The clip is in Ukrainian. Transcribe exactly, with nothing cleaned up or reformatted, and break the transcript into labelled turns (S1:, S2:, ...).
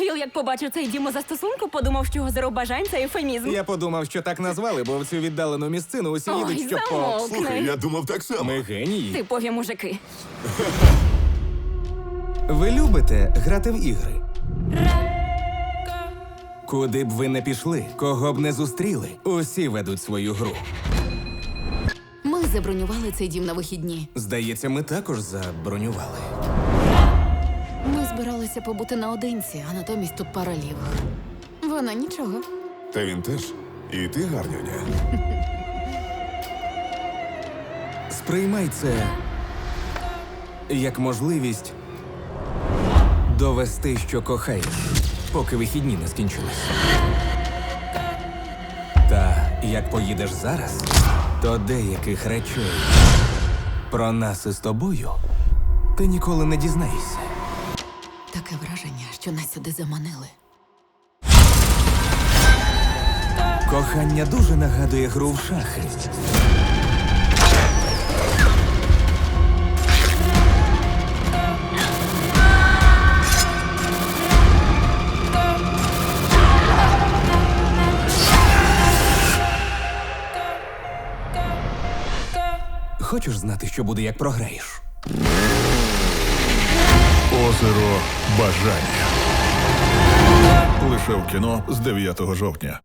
S1: Віл, як побачив цей дім застосунку, подумав, що озеро бажань – це ефемізм.
S2: Я подумав, що так назвали, бо в цю віддалену місцину усі
S1: Ой,
S2: їдуть, щоб по...
S1: замовкни.
S3: Слухай, я думав так само.
S2: Ми генії.
S1: Типові мужики.
S2: Ви любите грати в ігри? Куди б ви не пішли, кого б не зустріли, усі ведуть свою гру.
S4: Ми забронювали цей дім на вихідні.
S2: Здається, ми також забронювали.
S4: Ми збиралися побути наодинці, а натомість тут пара лівих. Вона нічого.
S3: Та він теж. І ти гарнюня.
S2: Сприймай це як можливість довести, що кохаєш, поки вихідні не скінчились. Та як поїдеш зараз, то деяких речей про нас із тобою ти ніколи не дізнаєшся.
S4: Таке враження, що нас сюди заманили.
S2: Кохання дуже нагадує гру в шахи. Хочеш знати, що буде, як програєш?
S5: Озеро бажання. Лише в кіно з дев'ятого жовтня.